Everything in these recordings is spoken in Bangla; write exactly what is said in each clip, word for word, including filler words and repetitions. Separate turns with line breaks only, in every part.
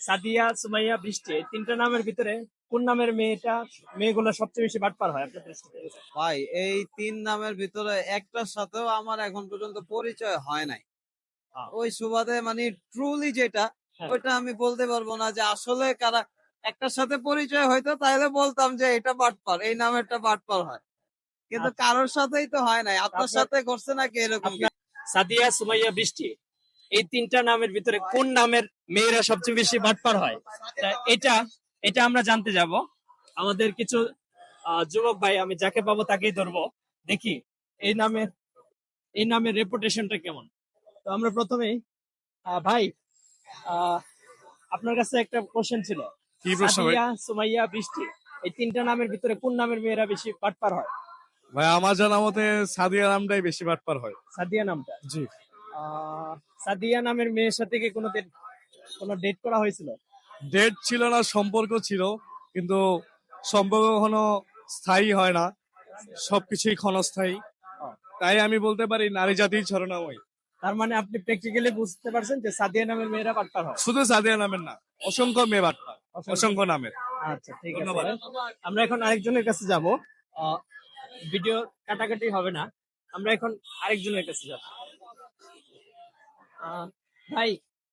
সাদিয়া, সুমাইয়া, বৃষ্টি এই তিনটা নামের ভিতরে কোন নামের মেয়েটা মেয়েগুলো সবচেয়ে বেশি বাটপার হয় আপনার দৃষ্টিতে?
ভাই এই তিন নামের ভিতরে একটার সাথেও আমার এখন পর্যন্ত পরিচয় হয় নাই।
আহ,
ওই সুবাদে মানে ট্রুলি যেটা
হ্যাঁ,
ওইটা আমি বলতে পারবো না যে আসলে কারা একটার সাথে পরিচয় হয়তো তাহলে বলতাম যে এটা বাটপার, এই নামেরটা বাটপার হয়, কিন্তু
আচ্ছা,
কারোর সাথেই তো হয় নাই। আপনার
আপনার
সাথে ঘটছে নাকি এরকম
আপনার
কিছু?
সাদিয়া, সুমাইয়া, বৃষ্টি এই তিনটা নামের ভিতরে কোন নামের মেয়েরা সবচেয়ে বেশি বাটপার হয়? তা এটা এটা আমরা জানতে যাব। আমাদের কিছু আহ, যুবক ভাই, আমি যাকে পাবো তাকেই ধরবো, দেখি এই নামের এই নামের রেপুটেশনটা কেমন। তো আমরা প্রথমেই আহ, ভাই, আহ, আপনার কাছে একটা কোশ্চেন ছিল।
কি প্রশ্ন ভাই?
সাদিয়া, সুমাইয়া, বৃষ্টি এই তিনটা নামের ভিতরে কোন নামের মেয়েরা বেশি বাটপার হয়?
ভাই আমার জানা মতে সাদিয়া নামটাই বেশি বাটপার হয়।
সাদিয়া নামটা।
জি।
আহ, সাদিয়া নামের মেয়ের সাথে কি কোনোদিন কোনো ডেট করা হয়েছিল?
ডেট ছিল না, সম্পর্ক ছিল, কিন্তু সম্পর্ক কখনো স্থায়ী হয় না, সবকিছুই ক্ষণস্থায়ী।
ও,
তাই আমি বলতে পারি নারী জাতির ছলনাময়।
তার মানে আপনি প্র্যাকটিক্যালি বুঝতে পারছেন যে সাদিয়া নামের মেয়েরা বাটপার হয়।
শুধু সাদিয়া নামের না, অসংখ্য মেয়ে বাটপার,
অসংখ্য।
অসংখ্য নামের।
আচ্ছা, ঠিক আছে।
ধন্যবাদ।
আমরা এখন আরেকজনের কাছে যাব। ভিডিও কাটাকাটি হবে না, আমরা এখন আরেকজনের কাছে যাব। আহ, ভাই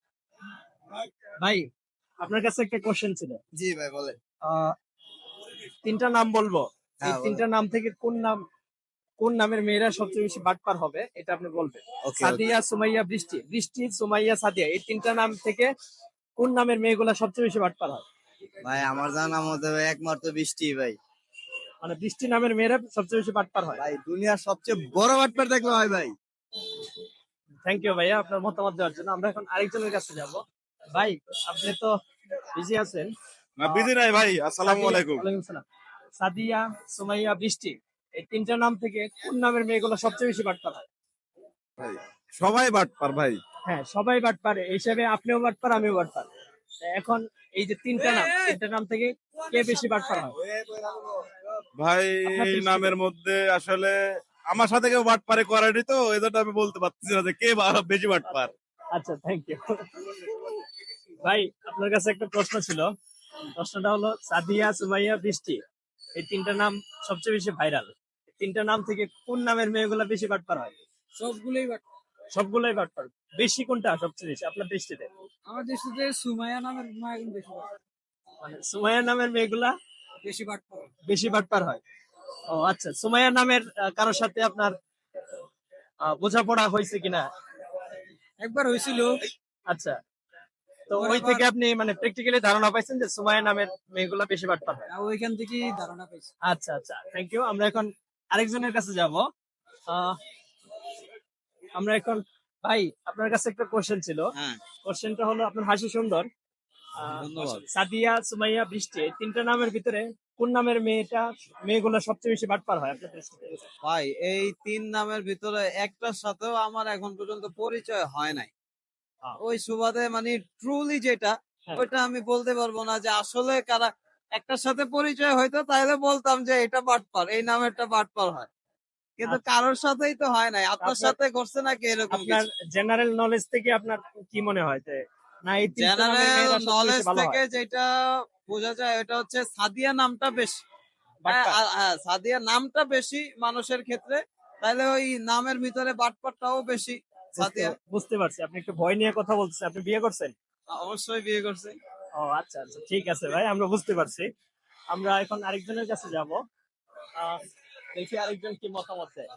ভাই আপনার কাছে একটা কোশ্চেন ছিল।
জি ভাই বলে।
আহ, তিনটা নাম বলবো, এই
হ্যাঁ, বলেন।
তিনটা নাম থেকে কোন নাম কোন নামের মেয়েরা সবচেয়ে বেশি বাটপার হবে এটা আপনি বলবেন।
ওকে,
সাদিয়া, সুমাইয়া, বৃষ্টি বৃষ্টি সুমাইয়া, সাদিয়া এই তিনটা নাম থেকে কোন নামের মেয়েগুলা সবচেয়ে বেশি বাটপার হয়?
ভাই আমার জানা মতে ভাই একমাত্র বৃষ্টি ভাই।
মানে বৃষ্টি নামের মেয়েরা সবচেয়ে বেশি বাটপার হয়।
ভাই দুনিয়ার সবচেয়ে বড় বাটপার দেখলো হয় ভাই।
থ্যাংক ইউ ভাইয়া আপনার মতামত দেওয়ার জন্য। আমরা এখন আরেকজনের কাছে যাব। ভাই, আপনি তো বিজি আছেন।
না বিধি নাই ভাই। আসসালামু
সাদিয়া-
আলাইকুম।
ওয়ালাইকুম সালাম। সাদিয়া, সুমাইয়া, বৃষ্টি এই তিনটা নাম থেকে কোন নামের মেয়েগুলো সবচেয়ে বেশি বাটপার হয়?
ভাই সবাই বাটপার ভাই।
হ্যাঁ, সবাই বাটপার, এই হিসাবে আপনিও বাটপার, আমিও বাটপার। এখন এই যে তিনটা নাম, তিনটা নাম থেকে কে বেশি বাটপার হয়
ভাই
আপনার
এই
দৃষ্টিতে?
নামের মধ্যে আসলে আমার সাথে কেউ বাটপারে করেনি, তো এজন্য আমি বলতে পারতেছি না যে কে বা- বেশি বাটপার।
আচ্ছা, থ্যাংক ইউ ভাই। আপনার কাছে একটা প্রশ্ন ছিল। প্রশ্নটা হলো, সাদিয়া, সুমাইয়া, বৃষ্টি এই তিনটা নাম সবচেয়ে বেশি ভাইরাল। তিনটা নাম থেকে কোন নামের মেয়েগুলা বেশি বাটপার হয়?
সবগুলোই বাট
সবগুলোই বাটপার। বেশি কোনটা সবচেয়ে বেশি আপনার দৃষ্টিতে?
আমার দৃষ্টিতে সুমাইয়া নামের মায়াগুন বেশি বাট
মানে সুমাইয়া নামের মেয়েগুলা
বেশি বাট পারে।
বেশি বাটপার হয়। ও আচ্ছা, সুমাইয়া নামের আহ, কারোর সাথে আপনার আহ, বোঝাপড়া হয়েছে কিনা?
একবার হয়েছিল,
আচ্ছা, তো
ওর
ওই
আবার-
থেকে আপনি মানে প্র্যাকটিক্যালি ধারণা পাইছেন যে সুমাইয়া নামের মেয়েগুলা বেশি বাটপার হয়।
আর ওইখান থেকেই ধারণা পাইছি।
আচ্ছা আচ্ছা, থ্যাংক ইউ। আমরা এখন আরেকজনের কাছে যাব। আহ, আমরা এখন, ভাই আপনার কাছে একটা কোশ্চেন ছিল।
হ্যাঁ,
কোশ্চেনটা হলো, আপনার হাসি সুন্দর। আহ,
ধন্যবাদ।
সাদিয়া, সুমাইয়া, বৃষ্টি এই তিনটা নামের ভিতরে কোন নামের মেয়েটা মেয়েগুলো সবচেয়ে বেশি বাটপার হয় আপনার দৃষ্টিতে?
ভাই এই তিন নামের ভিতরে একটার সাথেও আমার এখন পর্যন্ত পরিচয় হয় নাই।
আহ,
ওই সুবাদে মানে ট্রুলি যেটা
হ্যাঁ,
ওইটা আমি বলতে পারবো না যে আসলে কারা একটার সাথে পরিচয় হয়তো তাহলে বলতাম যে এটা বাটপার, এই নামেরটা বাটপার হয়, কিন্তু
আচ্ছা।
কারোর সাথেই তো হয় নাই। আপনার
আপনার
সাথে ঘটছে নাকি এরকম
আপনার
কিছু?
জেনারেল নলেজ থেকে আপনার কি মনে হয় যে না এই তিনটা নামের
জেনারেল
মেয়েরা সবচেয়ে
নলেজ
বেশি ভালো
থেকে
হয়?
যেটা বোঝা যায় ওটা হচ্ছে সাদিয়া নামটা বেশি। হ্যাঁ,
বাটপার।
আ- হ্যাঁ, সাদিয়া নামটা বেশি মানুষের ক্ষেত্রে, তাহলে ওই নামের ভিতরে বাটপারটাও বেশি।
বুঝতে
সাদিয়া
বুঝতে পারছি, আপনি একটু ভয় নিয়ে কথা বলছেন। আপনি বিয়ে করছেন?
অবশ্যই বিয়ে করছে।
ও আচ্ছা আচ্ছা, ঠিক আছে ভাই, আমরা বুঝতে পারছি। আমরা এখন আরেকজনের কাছে যাব। আহ, দেখি আরেকজন কি মতামত দেয়।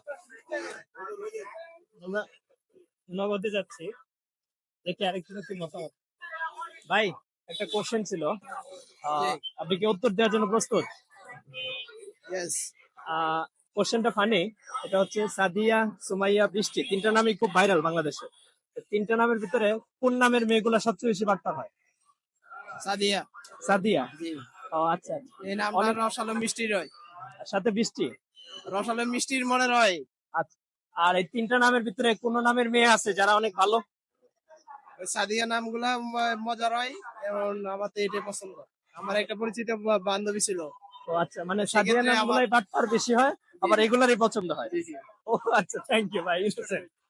আমরা নগদে যাচ্ছি, দেখি আরেকজনের কি মতামত। ভাই, একটা কোশ্চেন ছিল। আহ, আপনি কি উত্তর দেওয়ার জন্য প্রস্তুত?
ইয়েস।
আহ কোশ্চেনটা ফানি। এটা হচ্ছে, সাদিয়া, সুমাইয়া, বৃষ্টি তিনটা নামই খুব ভাইরাল বাংলাদেশে। তো তিনটা নামের ভিতরে কোন নামের মেয়েগুলা সবচেয়ে বেশি বাটপার হয়?
সাদিয়া।
সাদিয়া।
জি।
ও আচ্ছা আচ্ছা।
এই নামটা
অনেক,
রসালো মিষ্টি রয়।
সাথে বৃষ্টি।
রসালো মিষ্টির মনে রয়।
আচ্ছা, আর এই তিনটা নামের ভিতরে কোন নামের মেয়ে আছে যারা অনেক ভালো?
ওই সাদিয়া নামগুলা ম- মজা রয়, এবং আমার তো এটাই পছন্দ। আমার একটা পরিচিত বা- বান্ধবী ছিল।
ও আচ্ছা, মানে সাদিয়া
সেক্ষেত্রে আমার
নামগুলাই বাটপার বেশি হয়, আবার এগুলারই পছন্দ হয়।
জি, জি।
ও আচ্ছা, থ্যাংক ইউ ভাই।